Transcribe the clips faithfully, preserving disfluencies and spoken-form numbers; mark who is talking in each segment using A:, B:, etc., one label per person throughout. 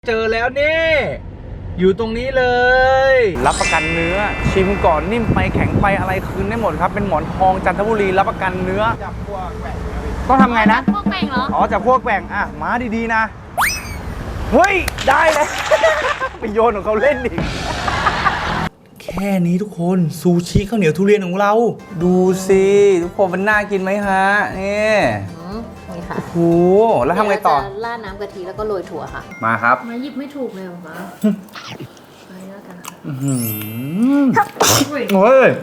A: เจอแล้วนี่อยู่ตรงนี้เลย
B: รับประกันเนื้อชิมก่อนนิ่มไปแข็งไปอะไรคืนได้หมดครับเป็นหมอนทองจันทบุรีรับประกันเนื้อจับพวกแกว่งต้องทำไงนะ
C: พวกแกว่งเหรอ
B: อ๋อจับพวกแกว่งอ่ะมาดีๆนะเฮ้ยได้เลย ไปโยนของเขาเล่นดิแค่นี้ทุกคนซูชิข้าวเหนียวทุเรียนของเราดูสิทุกคนมันน่ากินไหมฮะนี่
C: นี่ค่ะ
B: โอ้โหแล้วทำไงต่อ
C: ราดน้ำกะทิแล้วก็โรยถั่วค่ะ
B: มาครับ
C: มาหยิบไม่ถูกเลยหรอคะไปแล้วกันค่ะ
B: อืมโอ้ย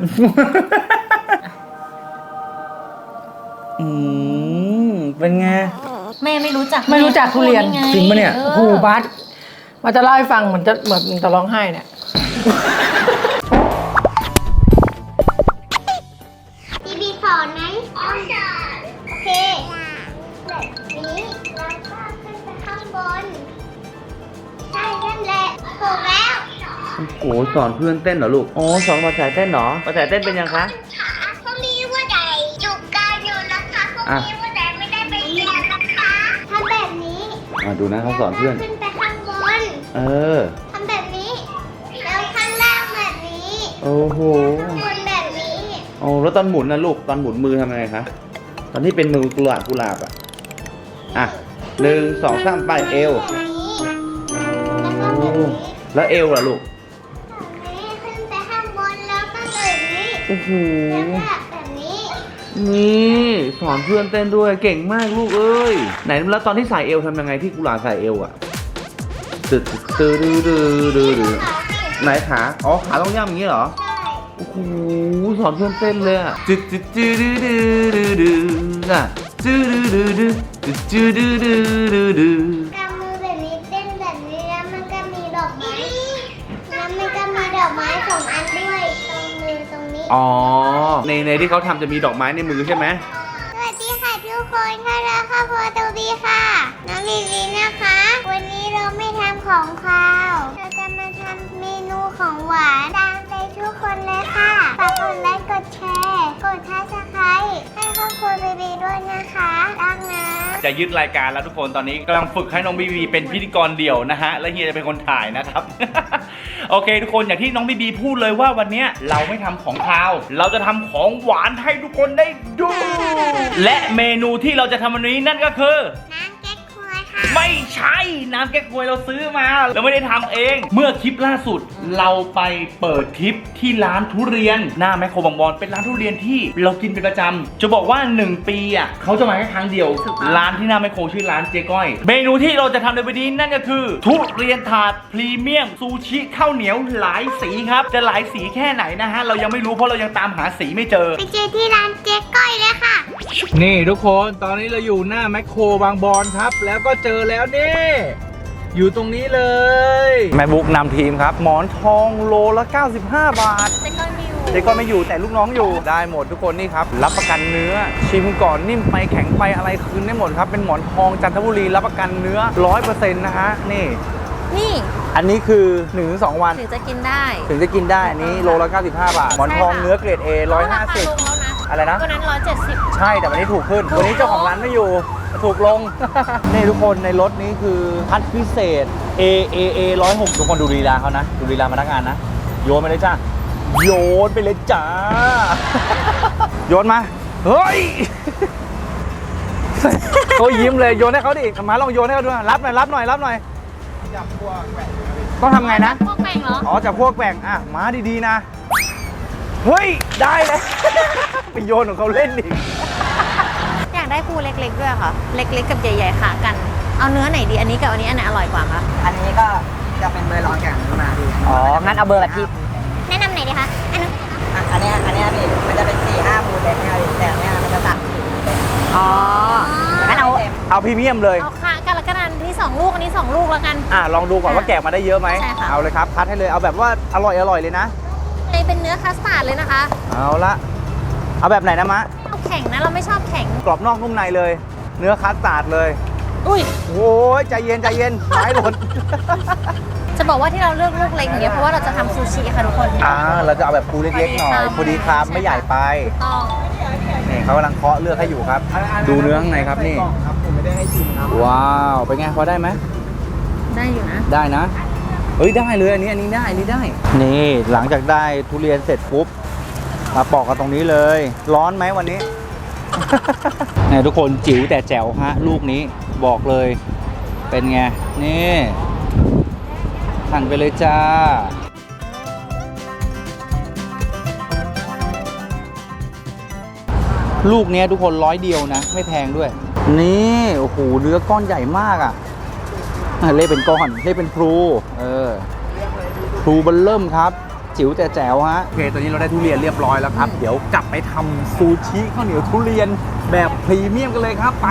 B: อืมเป็นไง
C: แม่ไม่รู้จัก
D: ไม่รู้จักทุเรียน
B: จริงปะเนี่ย
D: โอ้โหบัสมาจะเล่าให้ฟังเหมือนจะเหมือนจะร้องไห้เนี่ย
E: บีบีสอนไหมสอนโอเคแบบนี้แล้วก็ขึ้นไปข้างบนใช่นั่นแหละถูกแล้ว
B: โอ้สอนเพื่อนเต้นเหรอลูกอ๋อสอนภาษาเต้นเหรอภาษาเต้นเป็นยังคะ
E: ขาพวกนี้ว่าใดจุกกายอยู่นะคะพวกนี้ว่าใดไม่ได้ไปเรียนนะคะทำแบบนี้
B: อ่ะดูนะเขาสอนเพื่อน
E: ขึ้นไปข้างบน
B: เออ
E: ทำแบบนี้แล้วข้างล่างแบบนี้
B: โอ้โห
E: ข้างบนแบบนี้
B: โอ้แล้วตอนหมุนนะลูกตอนหมุนมือทำยังไงคะตอนที่เป็นมือกุหลาบกุหลาบอ่ะอ่ะหนึ่งสองสามไปเอวแล้วเอวล่ะลูก
E: ขึ้นไปข้างบนแล้วก็แบบนี้
B: โอ้โห
E: แล้วแบบนี้
B: นี่สอนเพื่อนเต้นด้วยเก่งมากลูกเอ้ยไหนแล้วตอนที่ใส่เอวทำยังไงที่กุหลาบใส่เอวอ่ะตึ๊ดตึ๊ดดื้อดื้อดื้อดื้อไหนขาอ๋อขาต้องย่ำอย่างนี้เหรอโอ้โหสอนเพื่อนเต้นเลยอ่ะตึ๊ดตึ๊ดดื้อดื้อดื้อดื้อดื้ออ่ะดื้อดื้อดื้อดื้อตึ๊ดดื้อดื้อดื้อดื้อดื้อก
E: ำมือแบบนี้เต้นแบบนี้แล้วมันก็มีดอกไม้แล้วมันก็มีดอกไม้สองอันด้วยตรงมือตรงนี้
B: อ๋อในในที่เขาทำจะมีดอกไม้ในมือใช่ไหม
E: สวัสดีค่ะทุกคนค่ะเราค่ะพอตูบีค่ะน้องลีลีนะคะวันนี้เราไม่ทำของคาวเราจะมาทำเมนูของหวานตามใจทุกคนเลยค่ะฝากกดไลค์กดแชร์กดซับสไครบ์ให้ครอบครัวบีบีด้วยนะคะรักนะ
B: จะยึดรายการแล้วทุกคนตอนนี้กำลังฝึกให้น้องบีบีเป็นพิธีกรเดี่ยวนะฮะและเฮียจะเป็นคนถ่ายนะครับ โอเคทุกคนอย่างที่น้องบีบีพูดเลยว่าวันนี้เราไม่ทำของคาวเราจะทำของหวานให้ทุกคนได้ดู และเมนูที่เราจะทำวันนี้นั่นก็คือ
E: น้ำแก๊กฮวยค่ะ
B: ไม่ใช่น้ำแก๊กฮวยเราซื้อมาเราไม่ได้ทำเองเมื่อคลิปล่าสุดเราไปเปิดคลิปที่ร้านทุเรียนหน้าแมคโครบางบอนเป็นร้านทุเรียนที่เรากินเป็นประจำจะบอกว่าหนึ่งปีอ่ะเขาจะมาแค่ครั้งเดียวร้านที่หน้าแมคโครชื่อร้านเจ๊ก้อยเมนูที่เราจะทำในวันนี้นั่นก็คือทุเรียนถาดพรีเมียมซูชิข้าวเหนียวหลายสีครับจะหลายสีแค่ไหนนะฮะเรายังไม่รู้เพราะเรายังตามหาสีไม่เจอ
E: ไปเจอที่ร้านเจ๊ก้อยเลยค่ะ
A: นี่ทุกคนตอนนี้เราอยู่หน้าแมคโครบางบอนครับแล้วก็เจอแล้วนี่อยู่ตรงนี้เลยแม่บุ๊กนำทีมครับหมอนทองโลละเก้าสิบห้าบาท
C: เจ๊ก้อยไม่อยู่
A: เจ๊ก้อยไม่อยู่แต่ลูกน้องอยู่ได้หมดทุกคนนี่ครับรับประกันเนื้อชิมก่อนนิ่มไปแข็งไปอะไรคืนได้หมดครับเป็นหมอนทองจันทบุรีรับประกันเนื้อ ร้อยเปอร์เซ็นต์ นะฮะนี่
C: นี่
A: อันนี้คือ หนึ่งถึงสอง วัน
C: ถึงจะกินได้
A: ถึงจะกินได้อันนี้โลละเก้าสิบห้าบาทหมอนทองเนื้อเกรด A หนึ่งร้อยห้าสิบอะไรนะ
C: วันนั้นหนึ่งร้อยเจ็ดสิบ
A: ใช่แต่วันนี้ถูกขึ้นวันนี้เจ้าของร้านไม่อยู่ถูกลง นี่ทุกคนในรถนี้คือพัดพิเศษ A A A หนึ่งร้อยหกทุกคนดูลีลาเขานะดูลีลาพนักงานนะโยนไปเลยจ้าโยนไปเลยจ้า โยนมาเฮ้ย เขายิ้มเลยโยนให้เขาดิมาลองโยนให้เขาดูรับหน่อยรับหน่อยรับหน่อยจับพวกแกว่งต้องทำไงนะ
C: พวกแกว่งเหรอ
A: อ๋อจับพวกแกว่งอ่ะมาดีๆนะเฮ้ยได้เลย ไปโยนของเขาเล่นดิ
C: อยากได้คู่เล็กๆด้วยค่ะเล็กๆกับใหญ่ๆขากันเอาเนื้อไหนดีอันนี้กับอันนี้อันไหนอร่อยกว่าคะ
D: อันนี้ก็จะเป็นเบอร์ร้อนกับอันนี้มาดีอ๋องั้นเอาเบอร์อะไรพี่
E: แนะนำไหนดีคะอันนี้
D: อันนี้อันนี้พี่มันจะเป็นสี่ห้ามูลเด็ดเนี่ยแต่เนี้ยมันจะตัดอ๋องั้นเอา
A: เอาพรีเมียมเลย
C: เอาค่ะกันละกันอันที่สองลูกอันนี้สองลูกแล้วกัน
A: อ่ะลองดูก่อนว่าแกะมาได้เยอะไหม
C: ใช่ค่ะ
A: เอาเลยครับคัดให้เลยเอาแบบว่าอร่อยอร่อยเลยนะ
C: เลยเป็นเนื้อคัสตาร์ดเลยนะคะ
A: เอาละเอาแบบไหนนะมะ
C: เอาแข็งนะเราไม่ชอบแข็ง
A: กรอบนอกนุ่มในเลยเนื้อคัสตาร์ดเลย
C: อุ้ย
A: โอ้ยใจเย็นใจเย็นไม้หล่น
C: จะบอกว่าที่เราเลือกลูกเล็กอย่างเงี้ยเพราะว่าเราจะทำซูชิค่ะทุกคน
A: อ่าเราจะเอาแบบปูเล็กๆหน่อยพอดีคำไม่ใหญ่ไป
C: ต้อง
A: นี่เขากำลังเคาะเลือกให้อยู่ครับดูเนื้อข้างในครับนี่ว้าวเป็นไงพอได้ไหม
C: ได้อยู่นะ
A: ได้นะเฮ้ยได้เลยอันนี้อันนี้ได้อันนี้ได้นี่หลังจากได้ทุเรียนเสร็จปุ๊บมาปอกกันตรงนี้เลย ร้อนไหมวันนี้ เนี่ยทุกคนจิ๋วแต่แจ๋วฮะลูกนี้บอกเลยเป็นไงนี่หั่นไปเลยจ้าลูกเนี้ยทุกคนร้อยเดียวนะไม่แพงด้วยนี่โอ้โหเนื้อก้อนใหญ่มากอ่ะเล่เป็นก้อนเล่เป็นพลูเออพลูบันเริ่มครับจิ๋วแต่แจ๋วฮะโอเคตอนนี้เราได้ทุเรียนเรียบร้อยแล้วครับเดี๋ยวกลับไปทำซูชิข้าวเหนียวทุเรียนแบบพรีเมียมกันเลยครับไป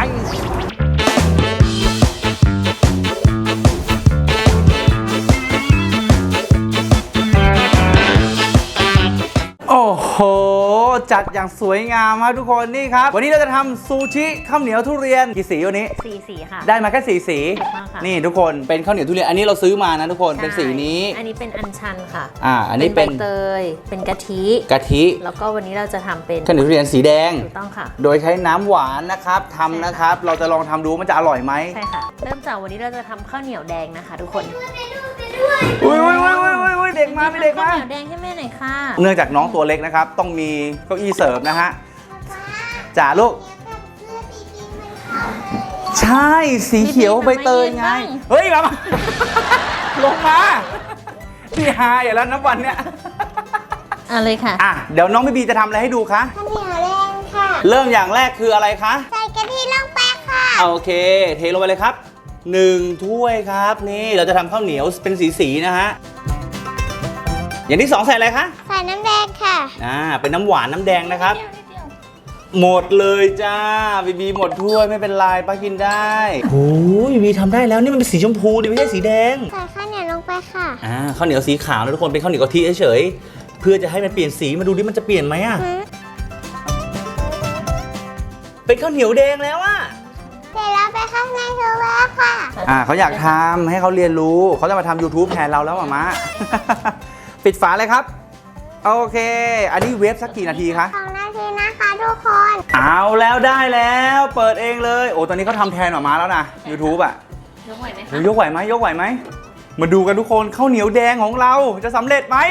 A: โอ้โหจัดอย่างสวยงามครับทุกคนนี่ครับวันนี้เราจะทำซูชิข้าวเหนียวทุเรียนกี่สีวันนี้
C: สีสีค่ะ
A: ได้มาแค่สีสี
C: ถูกต้องค่ะ
A: นี่ทุกคนเป็นข้าวเหนียวทุเรียนอันนี้เราซื้อมานะทุกคนเป็นสีนี้
C: อันนี้เป็นอัญชันค่ะ
A: อ่าอันนี้เป็น
C: ใบเตยเป็นกะทิ
A: กะทิ
C: แล้วก็วันนี้เราจะทำเป็น
A: ข้าวเหนียวทุเรียนสีแดง
C: ถูกต้องค่ะ
A: โดยใช้น้ำหวานนะครับทำนะครับ เราจะลองทำดูว่ามันจะอร่อยไหม
C: ใช่ค่ะ เริ่มจากวันนี้เราจะทำข้าวเหนียวแดงนะคะ ทุกคน
A: อุ้ยอุ้ยอุ้ยอุ้ยอุ้ยเด็กมาไม่เด็ก
C: ข้าว
A: มา
C: เหนียวแดงให้แม่หน่อยค่ะ
A: เนื่องจากน้องตัวเล็กนะครับ ต้องมีเก้าอี้เสิร์ฟนะฮะจ๋าลูกใช่สีเขียวใบเตยไงเฮ้ยมามา ลงมาพี่ฮาอย่าแล้วนับวันเนี้ย
C: เอะไรค่ะ
A: อ่ะเดี๋ยวน้องบีบีจะทำอะไรให้ดูคะ
E: ข้าวเหนียวแดงค่ะ
A: เริ่มอย่างแรกคืออะไรคะ
E: ใส่กะทิลงไปค่ะ
A: โอเคเทลงไปเลยครับหนึ่งถ้วยครับนี่เราจะทำข้าวเหนียวเป็นสีๆนะฮะอย่างที่สองใส่อะไรคะ
E: ใส่น้ำแดงค่ะ
A: อ่าเป็นน้ำหวานน้ำแดงนะครับ หมดเลยจ้าบีบีหมดถ้วยไม่เป็นไรป้ากินได้โอ้ยบีบีทำได้แล้วนี่มันเป็นสีชมพูดิไม่ใช่สีแดง
E: ใส่ข้าวเหนียวลงไปค่ะ
A: อ่าข้าวเหนียวสีขาวนะทุกคนเป็นข้าวเหนียวกะทิเฉยๆเพื่อจะให้มันเปลี่ยนสีมาดูดิมันจะเปลี่ยนไหมอ่ะเป็นข้าวเหนียวแดงแล้วอ่ะ
E: เสร็จแล้วไปข้างในโซเวอร์ค่ะ
A: อ่าเขาอยากทำให้เขาเรียนรู้เขาจะมาทำ YouTube แทนเราแล้วหมา มา ปิดฝาเลยครับโอเคอันนี้เวฟสักกี่นาทีคะ
E: สองนาทีนะคะทุกคน
A: เอาแล้วได้แล้วเปิดเองเลยโอ้ตอนนี้เขาทำแทนหมามาแล้วนะ YouTube อ่ะ
C: ยกไหวไหม
A: โอ้ยกไหวไหมยกไหวไหมมาดูกันทุกคนข้าวเหนียวแดงของเราจะสำเร็จไหม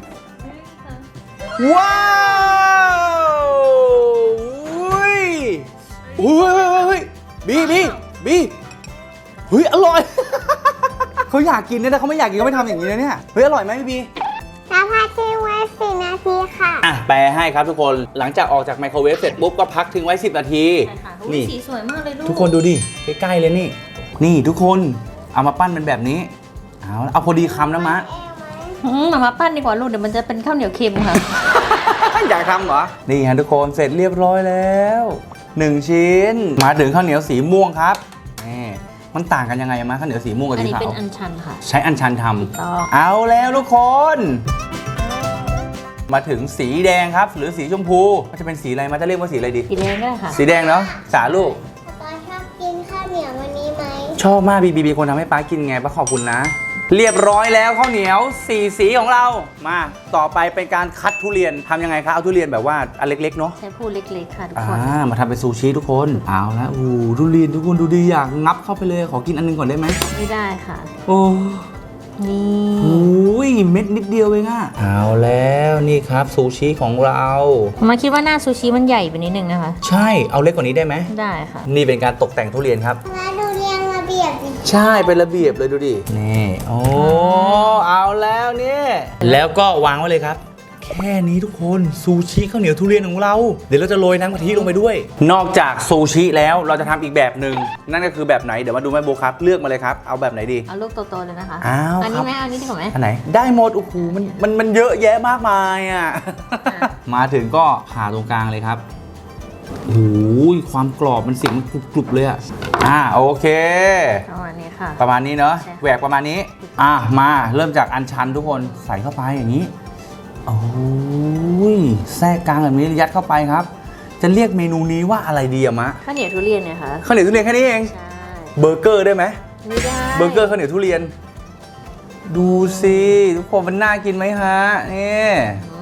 A: ว้าวอุ้ยอุ้ยเฮ้ยบีบีบีเฮ้ยอร่อย เขาอยากกินเนี่ยแต่เขาไม่อยากกินเขาไม่ทำอย่างนี้นะเนี่ยเฮ้ยอร่อยไหมบีบี
E: น้ำพักทิ้งไว้สี่นาทีค่ะ
A: อ่ะแปลให้ครับทุกคนหลังจากออกจากไมโครเวฟเสร็จปุ๊บก็พักทิ้งไว้สิบนาที
C: ใช่ค่ะ
A: นี่
C: สีสวยมากเลยลูก
A: ทุกคนดูดิใกล้ๆเลยนี่ นี่ทุกคนเอามาปั้นเป็นแบบนี้เอาเอาพอดีคำนะมะ
C: อืมมามาปั้นดีกว่าลูกเดี๋ยวมันจะเป็นข้าวเหนียวเค็มค่ะ
A: อยากทำเหรอนี่ฮะทุกคนเสร็จเรียบร้อยแล้วหนึ่งชิ้นมาถึงข้าวเหนียวสีม่วงครับนี่มันต่างกันยังไงมะข้าวเหนียวสีม่วงกับ
C: อัน
A: สี
C: นี้
A: ขา
C: เป็น
A: ว
C: อัญชันค่ะ
A: ใช้อัญชันท
C: ต้อง
A: ำเอาแล้วทุกคน มาถึงสีแดงครับ หรือสีชมพูมันจะเป็นสีอะไรมันจะเรียกว่าสีอะไรดี
C: สีแดงก็ได้ค่ะ
A: สีแดงเนาะสาลูก
E: ตอนชอบกินข้าวเหนียววันนี้ไหม
A: ชอบมากบีบีบีคนทำให้ป้ากินไงป้าขอบคุณนะ เรียบร้อยแล้วข้าวเหนียวสี่สีของเรามาต่อไปเป็นการคัดทุเรียนทำยังไงคะเอาทุเรียนแบบว่าอันเล็กๆเนาะ
C: ใช้พูเล็กๆค่ะทุก
A: อ่า
C: คน
A: มาทำเป็นซูชิทุกคนเอาละโอ้ทุเรียนทุกคนดูดีอยากงับเข้าไปเลยขอกินอันนึงก่อนได้ไหม
C: ไม่ได้ค่ะ
A: โอ้
C: นี่
A: โหเม็ดนิดเดียวเองอะเอาแล้วนี่ครับซูชิของเรา
C: มาคิดว่าหน้าซูชิมันใหญ่ไปนิดนึงนะคะ
A: ใช่เอาเล็กกว่านี้ได้ไหม
C: ได้ค่ะ
A: นี่เป็นการตกแต่งทุเรียนครับ
E: มาดูเรียงระเบียบดิ
A: ใช่เป็นระเบียบเลยดูดินี่โอ้เอาแล้วเนี่ยแล้วก็วางไว้เลยครับ แค่นี้ทุกคนซูชิข้าวเหนียวทุเรียนของเราเดี๋ยวเราจะโรยน้ำกะทิลงไปด้วย นอกจากซูชิแล้วเราจะทำอีกแบบหนึ่งนั่นก็คือแบบไหนเดี๋ยวมาดูแม่โบครับเลือกมาเลยครับเอาแบบไหนดี
C: เอาลูกโตๆเลยนะคะ
A: อ้าว
C: อัน
A: ครั
C: นี้
A: บ
C: ไหมอันนี้ดีกว่าไหม
A: อันไหนได้หมดโอ้โหมันมันมันเยอะแยะมากมายอ่ะ มาถึงก็ผ่าตรงกลางเลยครับโอ้ยความกรอบมันเสียงมันกรุบๆเลยอ่ะอ่าโอเค
C: ประมาณนี้ค่ะ
A: ประมาณนี้เนอะ
C: ใช่ค่ะ
A: แหวกประมาณนี้ อ่ะมาเริ่มจากอันชันทุกคนใส่เข้าไปอย่างนี้โอ้ยแทรกกลางแบบนี้ยัดเข้าไปครับ จะเรียกเมนูนี้ว่าอะไรดีอะมะ
C: ข้าวเหนียวทุเรียนเนี่ยค่ะ
A: ข้าวเหนียวทุเรียนแค่นี้เอง
C: ใช่
A: เบอร์เกอร์ได้ไหม
C: ไม่ได้
A: เบอร์เกอร์ข้าวเหนียวทุเรียน ดูสิทุกคนมันน่ากินไหมฮะนี่
C: อืม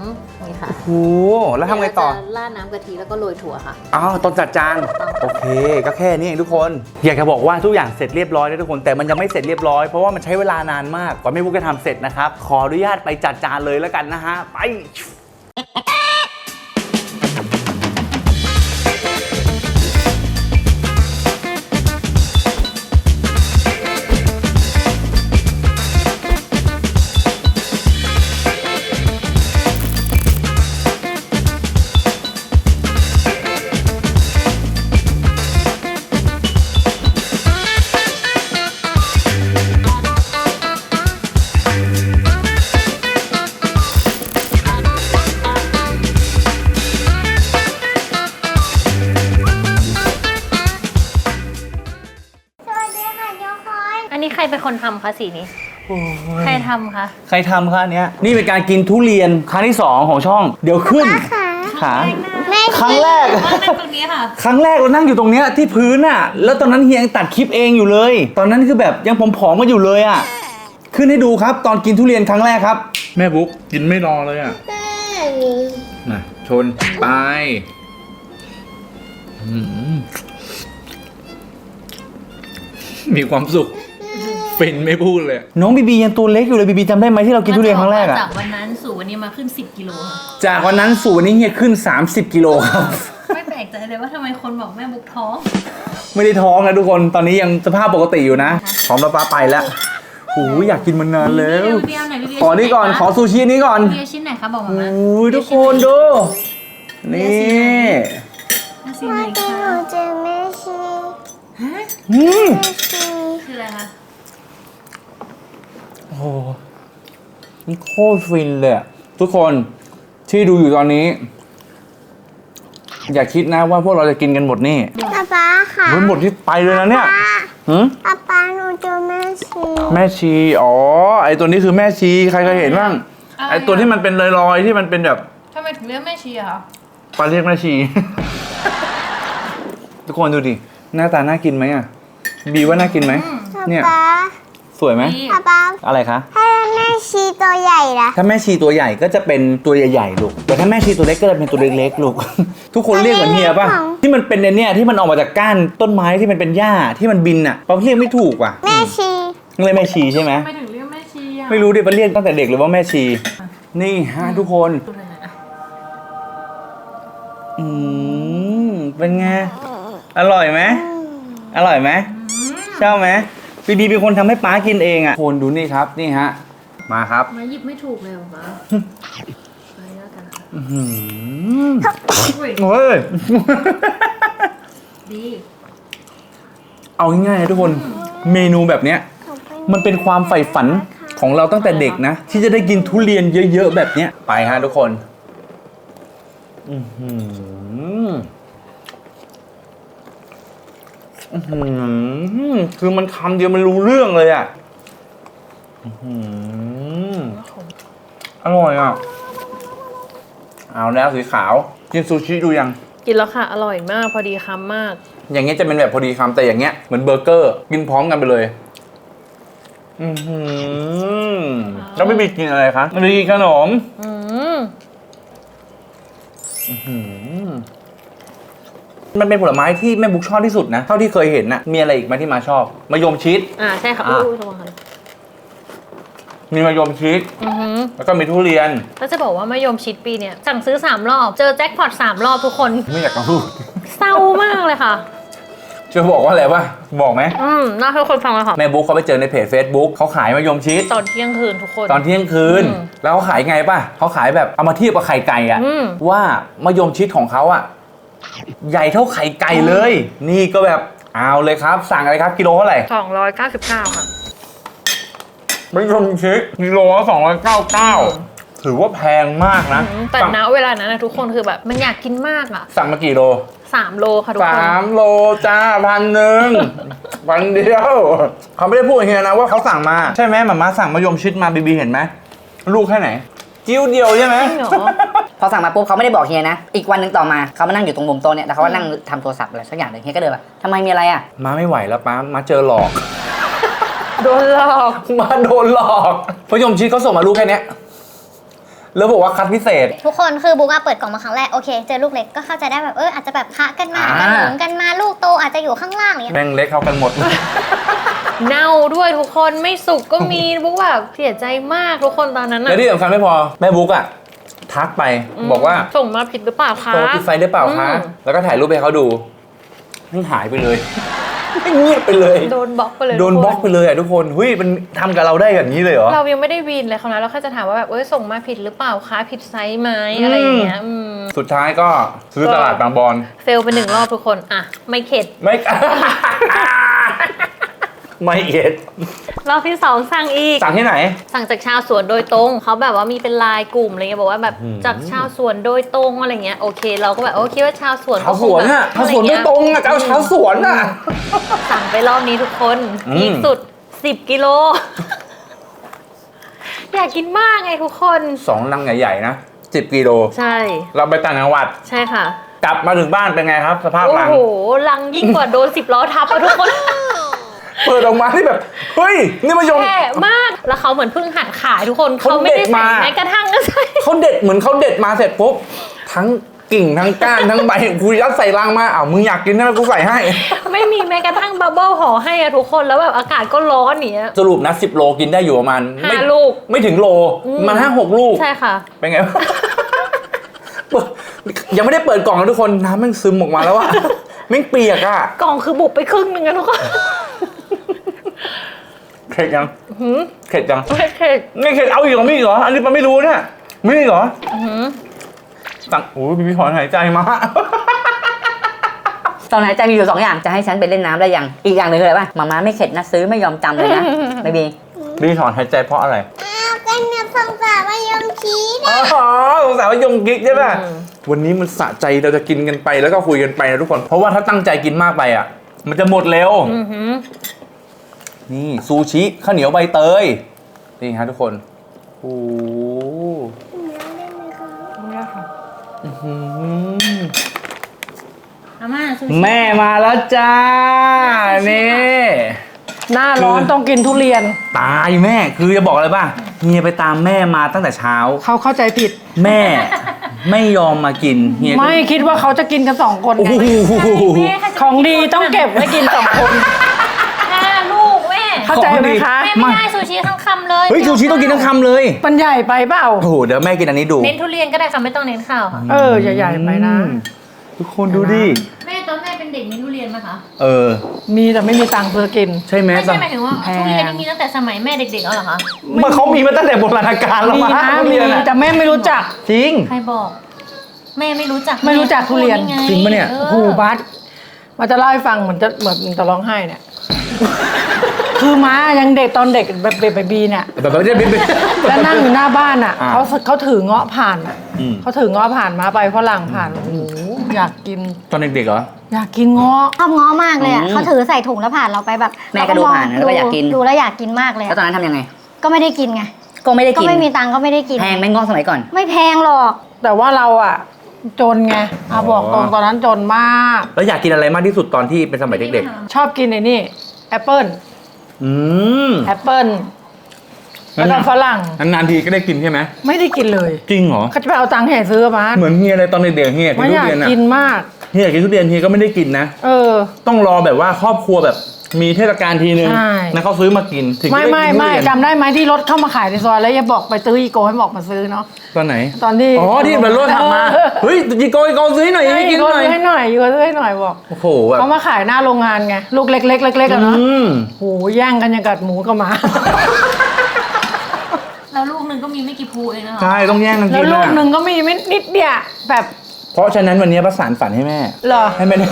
C: นี่ค่ะ
A: โอ้โหแล้วทำไงต่อ
C: เดี๋ยวเราจะราดน้ำกะทิแล้วก็โรยถั่วค่ะ
A: อ้าวตอนจัดจานโอเคก็แค่นี้เองทุกคน อยากจะบอกว่าทุกอย่างเสร็จเรียบร้อยแล้วทุกคนแต่มันยังไม่เสร็จเรียบร้อยเพราะว่ามันใช้เวลานานมากกว่าแม่บุ๊กจะทำเสร็จนะครับขออนุญาตไปจัดจานเลยแล้วกันนะฮะไป
C: อันนี้ใครเป็นคนทำคะสีนี้ ใครทำคะ
A: ใครทำคะอันเนี้ยนี่เป็นการกินทุเรียนครั้งที่สองของช่องเดี๋ยวขึ้นขาครั้งแรก
C: ว่านั่งตรงนี้ค่ะ
A: ครั้งแรกเรานั่งอยู่ตรงเนี้ยที่พื้นอ่ะแล้วตอนนั้นเฮียยังตัดคลิปเองอยู่เลย ตอนนั้นคือแบบยังผอมๆมาอยู่เลยอ่ะขึ้นให้ดูครับตอนกินทุเรียนครั้งแรกครับแม่บุ๊กกินไม่รอเลยอ่ะมาชนไปอืมมีความสุขฟินไม่พูดเลยน้องบีบียังตัวเล็กอยู่เลยบีบีจำได้ไหมที่เรากินทุเรียนครั้งแรกอะ
C: จากวันนั้นสู่วันนี้มาขึ้นสิบกิโลค่ะ
A: จากวันนั้นสู่วันนี้เฮียขึ้นสามสิบกิโลครับ
C: ไม่แปลกใจเลยว่าทำไมคนบอกแม่บุ๊กท้อง
A: ไม่ได้ท้องนะทุกคนตอนนี้ยังสภาพปกติอยู่นะพร้อมแล้วป้าไปแล้วโอ้ยอยากกินมันนานแล้ว
C: เบียร์ไหนเบียร์
A: ขอนี่ก่อนขอซูชินี้ก่อน
C: เบียร์ชิ้นไหนคะบอกมา
A: โอ้
C: มาย
A: ทุกคนดูนี่
C: สีไหนคะ
E: หนูเจอแม่ชี
A: อืม
E: แม่ชี
C: คืออะไรคะ
A: โอ้โหนี่โคตรฟินเลยอะทุกคนที่ดูอยู่ตอนนี้ อย่าคิดนะว่าพวกเราจะกินกันหมดนี่
E: ป๊าป๊าค่ะ
A: มันหมดที่ไปเลยนะเนี่ย
E: ป๊า
A: หืม
E: ป๊าป๊าหนูเจอแม่ชี
A: แม่ชีอ๋อไอตัวนี้คือแม่ชีใครเคยเห็นบ้างไอตัวที่มันเป็นลอยๆที่มันเป็นแบบ
C: ทำไมถึงเรียกแม่ชีอะคะ
A: ปลาเรียกแม่ชี ทุกคนดูดิหน้าตาน่ากินไหมอ่ะบีว่าน่ากินไหมเนี่ย
E: ป๊า
A: สวยไหม
E: ป๊าป๊า
A: อะไรคะ
E: ถ้าแม่ชีตัวใหญ่ล่ะ
A: ถ้าแม่ชีตัวใหญ่ก็จะเป็นตัวใหญ่ๆลูกแต่ถ้าแม่ชีตัวเล็กก็จะเป็นตัวเล็กๆลูก ทุกคนเรียกเหมือนเฮียป่ะที่มันเป็นเนี่ยที่มันออกมาจากก้านต้นไม้ที่มันเป็นหญ้าที่มันบินอ่ะเราเรียกไม่ถูกว่ะ
E: แม่ชี
A: เรียกแม่ชีใช่ไหม
C: ทำไมถึงเรียกแม่ชีอะ
A: ไม่รู้ดิมันเรียกตั้งแต่เด็กเลยว่าแม่ชี นี่ฮะทุกคน
C: ดูหน่อยนะ
A: อืมเป็นไงอร่อยไหมอร่อยไหมชอบไหมบีบีเป็นคนทำให้ป๊ากินเองอ่ะคนดูนี่ครับนี่ฮะมาครับ
C: มาหยิบไม่ถูกเลยเหรอคะไปแล้วกันค่ะ
A: อื้อหือ
C: อุ้ย
A: โอ้ย
C: ดี
A: เอาง่ายๆนะทุกคนเมนูแบบเนี้ยมันเป็นความใฝ่ฝันของเราตั้งแต่เด็กนะ ที่จะได้กินทุเรียนเยอะๆแบบเนี้ยไปฮะทุกคนอื้อหืออื้อหือคือมันคำเดียวมันรู้เรื่องเลยอ่ะอื้อหืออร่อยอ่ะเอาแล้วสีขาวกินซูชิดูยัง
F: กินแล้วค่ะ อร่อยมาก พอดีคำมาก
A: อย่างเงี้ยจะเป็นแบบพอดีคำแต่อย่างเงี้ยเหมือนเบอร์เกอร์ กินพร้อมกันไปเลย อือหือแล้วไม่มีกินอะไรคะไม่มีกินขนม
F: อืม
A: อื้อหือมันเป็นผลไม้ที่แม่บุ๊กชอบที่สุดนะ เท่าที่เคยเห็นนะมีอะไรอีกไหมที่มาชอบมะยมชิด
F: อ่าใช่ค่ะ
A: อ่ะ
F: อู้ระวังค่ะ
A: มีมะยมชิด
F: อือหือ
A: แล้วก็มีทุเรียน
F: แล้วจะบอกว่ามะยมชิดปีเนี่ยสั่งซื้อสามรอบ เจอแจ็คพอตสามรอบทุกคน
A: ไม่อยากจะพูด
F: เศร้ามากเลยค่ะ
A: จะบอกว่าอะไรป่ะบอกไหม
F: อืมน่าให้คนฟังเลยค่ะ
A: แม่บุ๊กเขาไปเจอในเพจ Facebook เขาขายมะยมชิด
F: ตอนเที่ยงคืนทุกคน
A: ตอนเที่ยงคืน
F: อืม
A: แล้วเขาขายไงป่ะเขาขายแบบเอามาเทียบกับไข่ไก่อะ
F: อืม
A: ว่ามะยมชิดของเขาอะใหญ่เท่าไข่ไก่เลย นี่ก็แบบเอาเลยครับ สั่งอะไรครับกิโลเท่าไหร่
F: สองร้อยเก้าสิบเก้าค่ะ
A: มะยมชิดกิโลละสองร้อยเก้าเก้าถือว่าแพงมากนะ
F: อืมแต่
A: สั่ง
F: ณเวลานั้นนะทุกคนคือแบบมันอยากกินมากอ่ะ
A: สั่งมากี่โล
F: สามโลค่ะทุกคน
A: สามโลจ้าพันหนึ่ง พันเดียวเขาไม่ได้พูดอย่างนี้นะว่าเขาสั่งมาใช่ไหมหมาม่าสั่งมะยมชิดมาบีบีเห็นไหมลูกแค่ไหนจิ้วเดียวใช่ไหม
F: จริงเหรอ
D: พอสั่งมาปุ๊บเขาไม่ได้บอกเฮียนะ อีกวันหนึ่งต่อมาเขามานั่งอยู่ตรงมุมโต๊ะเนี่ยแล้วเขาก็นั่งทำโทรศัพท์อะไรสักอย่างหนึ่งเฮียก็เดินมาทำไมมีอะไรอ่ะ
A: มาไม่ไหวแล้วป้ามาเจอหลอก
F: โดนหลอก
A: มาโดนหลอกมะยมชิดเขาส่งมาลูกแค่เนี้ยแล้วบอกว่าคัดพิเศษ
E: ทุกคนคือบุ๊กอะเปิดกล่องมาครั้งแรกโอเคเจอลูกเล็กก็เข้าใจได้แบบเอออาจจะแบบคะกันมา
A: อ่า
E: กันหนุนกันมาลูกโตอาจจะอยู่ข้างล่างอะไรอย่างเงี้ย
A: แม่งเล็กเท่ากันหมด
F: เน่าด้วยทุกคนไม่สุกก็มีบุ๊กแบบเสียใจมากทุกคนตอนนั้น
A: และ
F: อะ
A: ที่สำคัญไม่พอแม่บุ๊กอะทักไปบอกว่า
F: ส่งมาผิดหรือเปล่าคะ
A: โตติดไฟหรือเปล่าคะ
F: อืม
A: แล้วก็ถ่ายรูปให้เขาดูนี่หายไปเลย เงียบไปเลย
F: โดนบล็อกไปเลย
A: โดน
F: ทุ
A: บล็อกไปเลยอ่ะทุกคนเฮ้ยมันทำกับเราได้แบบนี้เลยเหรอ
F: เรายังไม่ได้วีนเลยเขานะเราแค่จะถามว่าแบบเอ้ยส่งมาผิดหรือเปล่าคะผิดไซส์ไหมอะไรอย่างเงี้ยอืม
A: สุดท้ายก็ซื้อตลาดบางบอน
F: เฟลไปหนึ่งรอบทุกคนอ่ะไม่เข็ด
A: ไม่ ไม่เอ็ด
F: รอบที่สองสั่งอีก
A: สั่งที่ไหน
F: สั่งจากชาวสวนโดยตรงเขาแบบว่ามีเป็นไลน์กลุ่มอะไรเงี้ยบอกว่าแบบ
A: อืม
F: จากชาวสวนโดยตรงอะไรเงี้ยโอเค เราก็แบบโอเคว่าชาวสวน
A: ชาวสวนอ่ะ
F: ก็
A: ชาว
F: ค
A: สวน
F: ง
A: โด
F: แบบ
A: ยตรงอ่ะเอาชาวสวนอ่ะ
F: สั่งไปรอบนี้ทุกคน
A: อืม
F: พีคสุดสิบกิโล อยากกินมากไงทุกคน
A: สองลังใหญ่ๆนะสิบกิโล
F: ใช่
A: เราไปต่างจังหวัด
F: ใช่ค่ะ
A: กลับมาถึงบ้านเป็นไงครับ สภาพ
F: โอ้
A: ลัง
F: โหลังยิ่งกว่าโดนสิบล้อทับอะทุกคน
A: เปิดออกมาที่แบบเฮ้ยนี่มายม
F: แย่มากแล้วเขาเหมือนเพิ่งหัดขายทุกคน
A: เขา
F: เขาไม่ได้
A: เด็ด
F: ใส่
A: มา
F: แม้กระทั่งก็ใส่
A: เขาเด็ดเหมือนเขาเด็ดมาเสร็จปุ๊บทั้งกิ่งทั้งก้านทั้งใบกูยัดใส่ลังมาอ้าวมึงอยากกินใช่ไหมกูใส่ให้
F: ไม่มีแม้กระทั่งบับเบิ้ลห่อให้อะทุกคนแล้วแบบอากาศก็ร้อนอย่างเนี้ย
A: สรุปนะสิบโลกินได้อยู่ประมาณ
F: ห้า
A: ไม่
F: ลูก
A: ไม่ถึงโล
F: อืม
A: มันห้าหกลูก
F: ใช่ค่ะ
A: เป็นไง เปิดยังไม่ได้เปิดกล่องนะทุกคนน้ำมันซึมออกมาแล้วอะ แม่งเปียกอะ
F: กล่องคือบุบไปครึ่งหนึงอะทุกคน
A: เข็ดยัง
F: หืม
A: เข็ดยัง
F: ไม่เข็ด
A: ไม่เข็ดเอาอีกเหรอไม่อีกเหรออันนี้มันไม่รู้เนี่ยไม่อีกเหรอ
F: หืม
A: สั่งโอ้ยพี่ถอนหายใจมา
D: ตอนไหนใจมีอยู่สองอย่างจะให้ฉันไปเล่นน้ำได้ยังอีกอย่างหนึ่งคืออะไรป่ะมาม่าไม่เข็ดนะซื้อไม่ยอมจำเลยนะไม่บี
A: พี่ถอนหายใจเพราะอะไร
E: อ้าวกันเนี่ยสงสารมายมชีส
A: อ๋อสงสัยว่ายงกิ๊กใช่ป่ะวันนี้มันสะใจเราจะกินกันไปแล้วก็คุยกันไปนะทุกคน เพราะว่าถ้าตั้งใจกินมากไปอ่ะ มันจะหมดเร็ว
F: อือหือ
A: นี่ซูชิข้าวเหนียวใบเตยนี่ฮะทุกคนโอ้โหอื้อหือ
F: อาม่าซูชิ
A: แม่มาแล้วจ้านี่
G: หน้าร้อน
A: คือ
G: ต้องกินทุเรียน
A: ตายแม่คือจะบอกอะไรป่ะเฮียไปตามแม่มาตั้งแต่เช้า
G: เขาเข้าใจผิด
A: แม่ไม่ยอมมากินเฮียก็
G: ไม่คิดว่าเขาจะกินกันสองคน
A: โอ้
G: ไง
A: โห
G: ของดีต้องเก็บไว้กินสองคน
F: ห้าลูกแม่
G: เข้าใจไหมคะ
F: แม่ไม่ได้ซูชิทั้งคำเลย
A: เฮ้ยซูชิต้องกินทั้งคำเลย
G: มันใหญ่ไปเปล่า
A: โอ้โหเดี๋ยวแม่กินอันนี้ดู
F: เน้นทุเรียนก็ได้ค่ะไม่ต้องเน้นข้าวค่ะ
G: เออใหญ่ๆไปนะ
A: อืมทุกคนดูดิ
F: แม่ตอนแม่เป็นเด็กมีทุเรียนไหมคะ
A: เออ
G: มีแต่ไม่มีตังค์ซื้อกิน
A: ใช่ไหม
F: ไม่ใช่หมายถึงว่า
G: แพง
F: ทุเรียนนี่มีตั้งแต่สมัยแม่เด็กๆแล้วเหรอคะ
A: มันเขามีมาตั้งแต่โบราณกาลแล้ว
G: มี
A: มั้ง
G: นะ
A: ทุ
G: มี
A: เรียนอะ
G: แต่แม่ไม่รู้จัก
A: จริง
F: ใครบอก แม่ไม่รู้จัก
G: ไม่รู้จักทุเรียน
F: ไ
A: จริงปะเนี่ย
F: ออ
G: โอ้โหบัสมาจะเล่าให้ฟังเหมือนจะเหมือนจะร้องไห้เนี่ย คือม้ายังเด็กตอนเด็กแบบเบบีเนี่ย
A: แบบไม่ได้ไม่ได้
G: แล้วนั่งอยู่หน้าบ้านอ่ะ
A: อ่า
G: เขาเขาถือเงาะผ่านอะ
A: อืม
G: เขาถือเงาะผ่านมาไปฝรั่งผ่านโอ้โหอยากกิน
A: ตอนเด็กๆเหรอ
G: อยากกินเงาะ
E: ชอบง้อมากเลยอ่ะ
A: อืม
E: เขาถือใส่ถุงแล้วผ่านเราไปแบบ
D: แม่ก็ดูผ่านแล้วก็อยากกิน
E: ดูแล้วอยากกินมากเลย
D: แล้วตอนนั้นทำยังไง
E: ก็ไม่ได้กินไง
D: ก็ไม่ได้
E: ก็
D: กิน
E: ไม่มีตังค์ก็ไม่ได้กิน
D: แพงไหม่งอกสมัยก่อน
E: ไม่แพงหรอก
G: แต่ว่าเราอ่ะ จนไงอาบอกตรงตอนนั้นจนมาก
A: แล้วอยากกินอะไรมากที่สุดตอนที่เป็นสมัยเด็ก
G: ชอบกินไอ้นี่แอปเปิ้ล
A: ๆ อืม
G: แอปเปิ้ลแล้วก็ฝรั่ง
A: นานๆทีก็ได้กินใช่ไหม
G: ไม่ได้กินเลย
A: จริงเหรอ
G: เขาจะไปเอาตังค์แห่ซื้อมา
A: เหมือนเฮียเลยตอนเด็กๆเฮียกิน
G: ไม่
A: ทุ
G: อยาก
A: เรียนอะ
G: กินมาก
A: เฮียกินทุเรียนเฮียก็ไม่ได้กินนะ
G: เออ
A: ต้องรอแบบว่าครอบครัวแบบมีเทศกาลทีนึง
G: ใช่
A: นะเขาซื้อมากินถึงจะ
G: ไม่
A: ด้
G: ไม่
A: กินทุ
G: ไม่
A: เรียน
G: จำได้ไหมที่รถเข้ามาขายในซอยแล้วอย่าบอกไปซื้ออีโกให้บอกมาซื้อเนาะ
A: ตอนไหน
G: ตอนที่
A: อ๋อที่มันรถขับมา
G: เออ
A: เฮ้ยจีโกยโกซื้อหน่อยให้กินหน่อย
G: ซื้อให้หน่อยอยู่ซื้อให้หน่อยบอก
A: โอ้โหแบบ
G: เขามาขายหน้าโรงงานไงลูกเล็กๆเล็กๆอะเนาะ
A: อืม
G: โหแย่งกันอย่างกัดหมูกับหมา
F: แล้วลูกหนึ่งก็มีไม่กี่ภูเองนะคะ
A: ใช่ต้องแย่งกัน
G: แล้
A: กิ
G: วน ลูก
A: อะ
G: หนึ่งก็มีไม่นิดเดียวแบบ
A: เพราะฉะนั้นวันนี้ประสานฝันให้แม่
G: เหรอ
A: ให้แม่ได้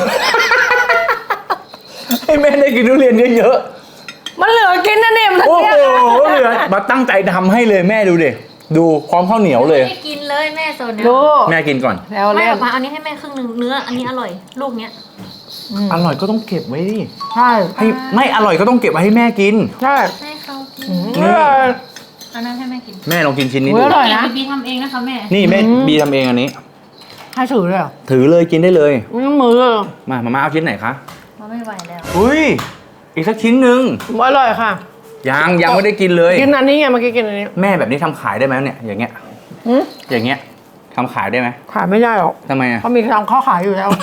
A: ให้แม่ได้กินทุเรียนเยอะ
G: มันเหลือกินนะเนี่ยมัน
A: ๆ โอ้
G: เนี่ย
A: โหเหลือมาตั้งใจทำให้เลยแม่ดูดิดูพร้อมข้าวเหนียวเลย
F: ไม่ได้กินเลยแม่โซนเนี้ย
G: ดู
A: แม่กินก่อน
G: แล้ว
F: แม่
G: เล่
F: อน อกมาอันนี้ให้แม่ครึ่งหนึ่งเนื้อ อันนี้อร่อย ลูกเนี้ย
A: อร่อยก็ต้องเก็บไว้ดิ
G: ใช่
A: ให้ไม่อร่อยก็ต้องเก็บไว้ให้แม่กิน
G: ใช่
F: ให้เขากิน
G: อืม
A: นี่
G: อร่อย
F: อันนั้นให้แม่กิน
A: แม่ลองกินชิ้นนี้
G: อุ๊
A: ดู
G: ยอร่อยนะ
F: บีบีทำเองนะคะแม่
A: นี่แม่
G: อืม
A: บีทำเองอันนี้
G: ให้ถือเลยเหรอ
A: ถือเลยกินได้เลย
G: ไม่ต้องมือเลยเหรอ
A: มามาม่าเอาชิ้นไหนคะ
F: มาไม่ไหวแล้ว
A: อุ้ยอีกสักชิ้นหนึ่ง
G: อร่อยค่ะ
A: ยังยังไม่ได้กินเลย
G: กินอันนี้ไงเมื่อกี้กินอันนี้
A: แม่แบบนี้ทำขายได้ไหมเนี่ยอย่างเงี้ย
G: หืม
A: อย่างเงี้ยทำขายได้ไหม
G: ขายไม่ได้หรอก
A: ทำไมอ่ะ
G: เขามีทำข้าวขายอยู่แล้ว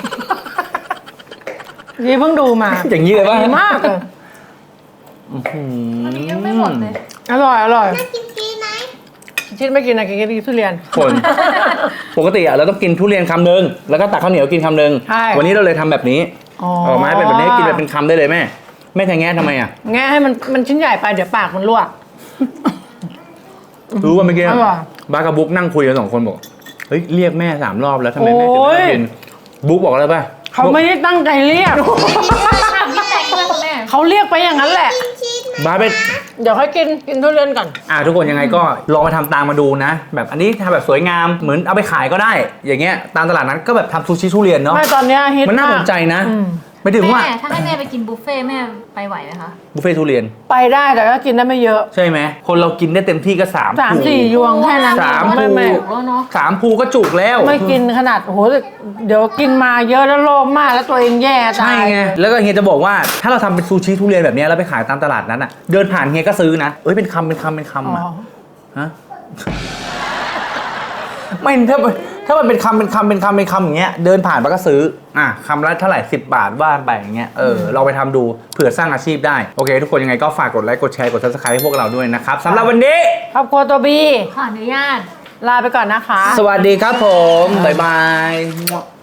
G: นี่เพิ่งดูมา
A: อย่างนี้เลยป่ะ
G: ดีมากเลย
F: อันนี้ยังไม่หมดเลย
G: อร่อยอร่อย
E: น่ากินฟรีไหม
G: ชิดไม่กินนะกินแค่ทุเรียน
A: คน ปกติอ่ะเราต้องกินทุเรียนคำหนึ่งแล้วก็ตักข้าวเหนียวกินคำหนึ่ง
G: ใช่
A: วันนี้เราเลยทำแบบนี้
G: อ๋อ
A: ออกมาให้เป็นแบบนี้กินแบบเป็นคำได้เลยแม่แม่แทงแง่ทำไมอ่ะ
G: แง่ให้มันมันชิ้นใหญ่ไปเดี๋ยวปากมันรั่ว
A: รู้ว่าเมื่อกี้
G: อร่อย
A: บาร์กับบุ๊กนั่งคุยกันสองคนบอกเฮ้ยเรียกแม่สามรอบแล้วทำไมแม่ถึง
G: โอ้
A: ไม่
G: ย
A: กินบุ๊กบอกอะไรป่ะ
G: เขาไม่ได้ตั้งใจเรียก
F: พี่แตงด้วยคุณแม่
G: เขาเรียกไปอย่างนั้นแหละ
E: ชีสไหม
A: บาร์เป็น
G: เดี๋ยวค่อยกินกินทุเรียนก่อน
A: อ่าทุกคนยังไงก็ลองมาทำตามมาดูนะ แบบอันนี้ทำแบบสวยงามเหมือนเอาไปขายก็ได้ อย่างเงี้ยตามตลาดนั้นก็แบบทำซูชิทุเรียนเนาะ
G: ไม่ตอนเนี้ยฮิต
A: มันน่าสนใจ
G: มาก
A: นะ
G: อืม
A: ไม่ถึงว่า
F: แม่ถ้าให้แม่ไปกินบุฟเฟ่ต์แม่ไปไหวไหมคะ
A: บุฟเฟ่ต์ทุเรียน
G: ไปได้แต่ก็กินได้ไม่เยอะ
A: ใช่ไหมคนเรากินได้เต็มที่ก็สาม
G: สาม
A: ภู
G: สี่ยวงแค่นั้น
A: สาม
G: ไม่
A: ภู
G: ไม่
F: ถูกแล้วเนาะ
A: สามภูก็จุกแล้ว
G: ไม่กินขนาดโอ้โหเดี๋ยวกินมาเยอะแล้วโลภมากแล้วตัวเองแย่ตา
A: ใช่
G: ย
A: ไงแล้วก็เฮียจะบอกว่าถ้าเราทำเป็นซูชิทุเรียนแบบเนี้ยแล้วไปขายตามตลาดนั้นอ่ะเดินผ่านเฮียก็ซื้อนะเอ้ยเป็นคำเป็นคำเป็นคำ
G: อ๋
A: อ่ะ
G: อ
A: ฮะ ไม่ถ้าถ้ามันเป็นคำเป็นคำเป็นคำเป็นคำอย่างเงี้ยเดินผ่านมันก็ซื้ออ่ะคำละเท่าไหร่สิบบาทว่าไปอย่างเงี้ยเออเราไปทำดูเผื่อสร้างอาชีพได้โอเค ทุกคนยังไงก็ฝากกดไลค์กดแชร์กด ซับสไครบ์ให้พวกเราด้วยนะครับสำหรับวันนี้
G: ครอบครัวตัวบี
F: ขออนุญาต
G: ลาไปก่อนนะคะ
A: สวัสดีครับผม บ๊ายบาย